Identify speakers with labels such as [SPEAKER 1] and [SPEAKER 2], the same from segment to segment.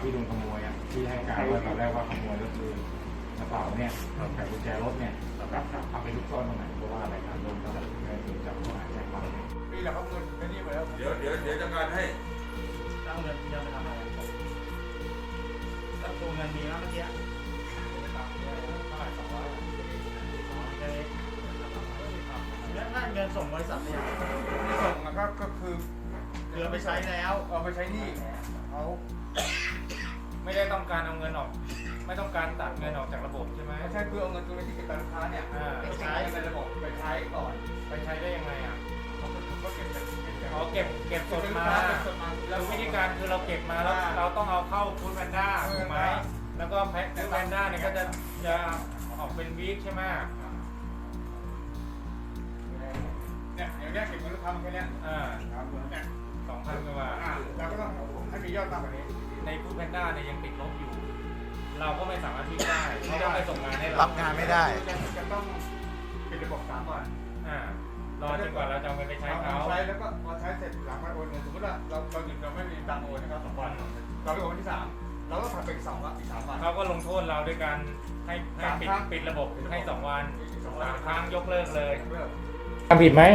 [SPEAKER 1] ที่โดนขโมยอ่ะที่ให้การว่าตอนแรกว่าขโมยก็คือกระเป๋าเนี่ยไขกุญแจรถเนี่ยเอาไปลุกซ่อนตรงไหนเพราะว่าอะไรครับโดนตำรวจจับข้อหาแจ้งความนี่แหละครับเงินนี่ไปแล้วเดี๋ยวจัดการให้ตั้งเงินเยอะไปทำอะไรแล้วตัวเงินมีแล้วเมื่อกี้แล้วถ้าเงินส่งบริษัทเนี่ยไม่ส่งก็คือเรือไปใช้แล้วเอาไปใช้หนี้เขาไม่ได้ต้องการเอาเงินออกไม่ต้องการตัดเงินออกจากระบบใช่ไหมไม่ใช่เพื่อเอาเงินตัวนี้ที่เก็บลูกค้าเนี่ยไปใช้ในระบบไปใช้ก่อนไปใช้ได้ยังไงอ่ะเขาก็เก็บสดมาแล้ววิธีการคือเราเก็บมาแล้วเราต้องเอาเข้าฟู้ดแพนด้าถูกไหมแล้วก็แพ็คฟู้ดแพนด้าเนี่ยก็จะออกเป็นวีคใช่ไหมเนี่ยอย่างนี้เก็บเงินลูกค้ามาแค่นี้เนี่ย2,000 กว่าบาทเราก็ต้องให้มียอดมากกว่านี้ในฟู้ดแพนด้าเนี่ยยังติดลบอยู่เราก็ไม่สามารถที่ได้เขาต้องไปส่งงานให้เรา
[SPEAKER 2] รับงานไม่ได้
[SPEAKER 1] จะต้องปิดระบบ3 วันรอจนกว่าเราจะเอาเงินไปใช้เขาใช้แล้วก็พอใช้เสร็จหลังวันโอนเงินสมมติว่าเราหยุดเราไม่มีตังค์โอนนะครับ2 วันเราไปโอนวันที่3เราก็ทำเป็น2 วันอีก3 วันเขาก็ลงโทษเราด้วยการให้ปิดระบบให้2 วัน3 ครั้งยกเลิกเลยทำผิดไหม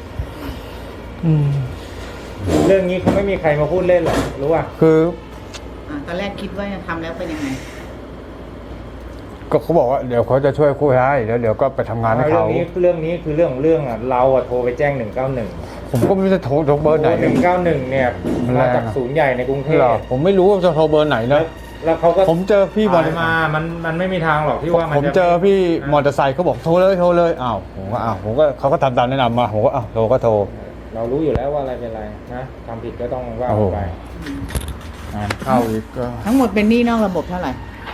[SPEAKER 1] เรื่องนี้เขาไม่มีใครมาพูดเล่นหรอกรู้ป่ะ
[SPEAKER 2] คือ
[SPEAKER 3] ตอนแรกคิดว่าจะทำแล้วเป็นยังไง
[SPEAKER 2] ก็เขาบอกว่าเดี๋ยวเขาจะช่วยคุยให้แล้วเดี๋ยวก็ไปทำงานให้เขา
[SPEAKER 1] เรื่องนี้คือเรื่องอ่ะเราโทรไปแจ้ง191
[SPEAKER 2] ผมก็ไม่รู้จะโทรเบอร์ไหน
[SPEAKER 1] 191เนี่ยมาจากศูนย์ใหญ่ในกรุงเทพ
[SPEAKER 2] ผมไม่รู้ว่าจะโทรเบอร์ไหนนะ
[SPEAKER 1] แล้วเขาก็
[SPEAKER 2] ผมเจอพี่มอเตอร์ไซค์
[SPEAKER 1] มันไม่มีทางหรอกที่ว่า
[SPEAKER 2] ผมเจอพี่มอเตอร์ไซค์เขาบอกโทรเลยอ้าวผมก็เขาก็ทำตามแนะนำมาผมก็โทร
[SPEAKER 1] เรารู้อยู่แล้วว่าอะไรเป็นอะไรนะทำผิดก็ต้องว่าไป
[SPEAKER 2] เข้าอีกก็
[SPEAKER 3] ทั้งหมดเป็นหนี้นอกระบบเท่าไหร่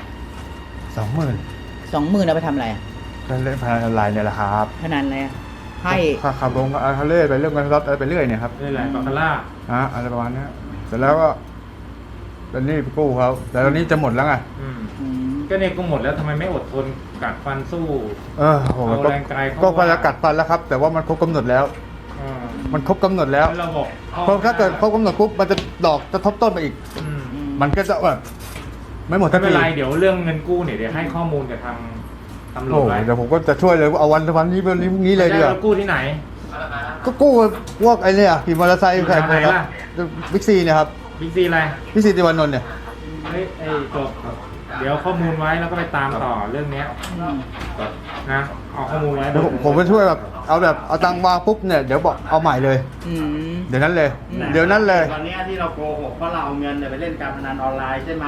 [SPEAKER 2] 20,000
[SPEAKER 3] เอาไปทำอะไร
[SPEAKER 2] ก็เล่นพนันออนไลน์เนี่ยแหละครับ
[SPEAKER 3] พนันอะไรให้
[SPEAKER 2] ขับลงเขาเล่นไปเรื่องการรถอะไรไปเรื่อยเนี่ยครับ
[SPEAKER 1] เรื่อยๆบาคาร่า
[SPEAKER 2] อะไรประมาณนี้เสร็จแล้วก็ตอนนี้ไปกู้เขาแต่ตอนนี้จะหมดแล้วไง
[SPEAKER 1] ก็เนี่ยก็หมดแล้วทำไมไม่อดทนกัดฟันสู้
[SPEAKER 2] ผมก็พยายามกัดฟันแล้วครับแต่ว่ามันครบกำหนดแล้วมันครบกำหนดแล้วเพราะถ้าเกิดครบกำหนดปุ๊บมันจะดอกจะทบต้นไปอีกมันก็จะแบบไม่หมดทันที
[SPEAKER 1] ไม่เป็นไรเดี๋ยวเรื่องเงินกู้เนี่ยเดี๋ยวให้ข้อมูลกับทางตำรวจไว้
[SPEAKER 2] เดี๋ยวผมก็จะช่วยเลยเอาวันนี้เลยดีกว่า
[SPEAKER 1] กู้ที่ไหน
[SPEAKER 2] ก็กู้พวกไอ้เนี่ยขี่มอเตอร์ไซค์ใส่ไปครับบิ๊กซีเนี่ยครับ
[SPEAKER 1] บิ๊กซีอะไร
[SPEAKER 2] บิ๊กซีติวานนท์เนี่ย
[SPEAKER 1] จบเดี๋ยวข้อมูลไว้แล้วก็ไปตามต่อเรื่องนี้นะเอาข้อมูลไว้
[SPEAKER 2] ผมไปช่วยแบบเอาตังค์วางปุ๊บเนี่ยเดี๋ยวบอกเอาใหม่เลยเดี๋ยวนั้นเลย
[SPEAKER 1] ตอนนี้ที่เราโกหกว่าเราเอาเงินไปเล่นการพนันออนไลน์ใช่ไหม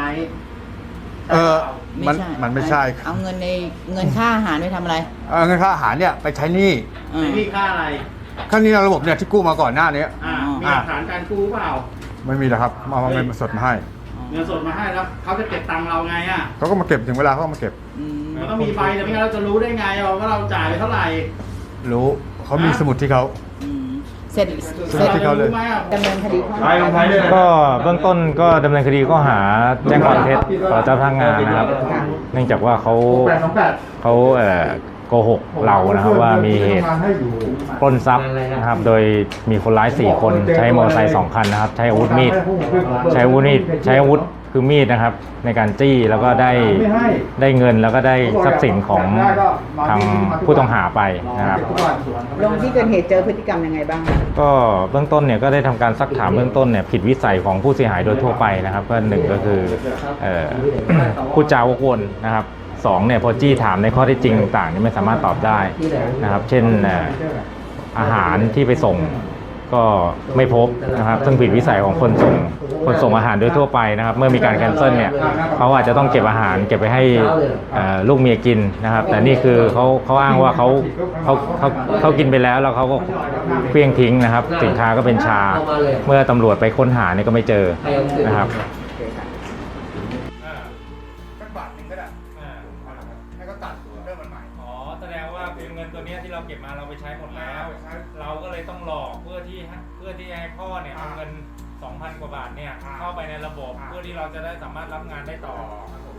[SPEAKER 2] มันไม่ใช่
[SPEAKER 3] เอาเงินค่าอาหารไปทำอะไร
[SPEAKER 2] เงินค่าอาหารเนี่ยไปใช้หนี้
[SPEAKER 1] ค่าอะไร
[SPEAKER 2] ค่าหนี้ในระบบเนี่ยที่กู้มาก่อนหน้านี้
[SPEAKER 1] มีหลักฐานการกู้เปล่า
[SPEAKER 2] ไม่มีหรอกครับเอาเงินสดมาให้
[SPEAKER 1] เงินสดมาให้แล้วเขาจะเก็บตังค์เราไง
[SPEAKER 2] เขาก็มาเก็บถึงเวลาเขามาเก็บ
[SPEAKER 1] มันต้องมีใบแต่ไม่งั้นเราจะรู้ได้ไงว่าเราจ่ายไปเท่าไหร่
[SPEAKER 2] รู้เขามีสมุดที่เขา
[SPEAKER 3] เสร็จ
[SPEAKER 2] ที่เขาเลย
[SPEAKER 3] ดำเนินคดี
[SPEAKER 1] ก็เบื้องต้นก็ดำเนินคดีข้อหาแจ้งความเท็จต่อเจ้าพนักงานนะครับเนื่องจากว่าเขาโกหกเรานะครับว่ามีเหตุปล้นทรัพย์นะครับโดยมีคนร้าย4 คนใช้มอเตอร์ไซค์2 คันนะครับใช้อาวุธมีดใช้อาวุธคือมีดนะครับในการจี้แล้วก็ได้เงินแล้วก็ได้ทรัพย์สินของทางผู้ต้องหาไปนะครับ
[SPEAKER 3] ลงที่เกิดเหตุเจอพฤติกรรมยังไงบ้าง
[SPEAKER 1] ก็เบื้องต้นเนี่ยก็ได้ทำการซักถามเบื้องต้นเนี่ยผิดวิสัยของผู้เสียหายโดยทั่วไปนะครับก็1ก็คือพูดจาวกวนนะครับ2เนี่ยพอจี้ถามในข้อเท็จจริงต่างๆนี่ไม่สามารถตอบได้นะครับเช่นอาหารที่ไปส่งก็ไม่พบนะครับซึ่งผิดวิสัยของคนส่งอาหารโดยทั่วไปนะครับเมื่อมีการแคนเซิลเนี่ยเขาอาจจะต้องเก็บอาหารเก็บไปให้ลูกเมียกินนะครับแต่นี่คือเขาอ้างว่าเขากินไปแล้วเขาก็เฟี้ยงทิ้งนะครับสินค้าก็เป็นชาเมื่อตำรวจไปค้นหาเนี่ยก็ไม่เจอนะครับตัวนี้ที่เราเก็บมาเราไปใช้หมดแล้วเราก็เลยต้องหลอกเพื่อที่ให้พ่อเนี่ยเอาเงิน 2,000 กว่าบาทเนี่ยเข้าไปในระบบเพื่อที่เราจะได้สามารถรับงานได้ต่อ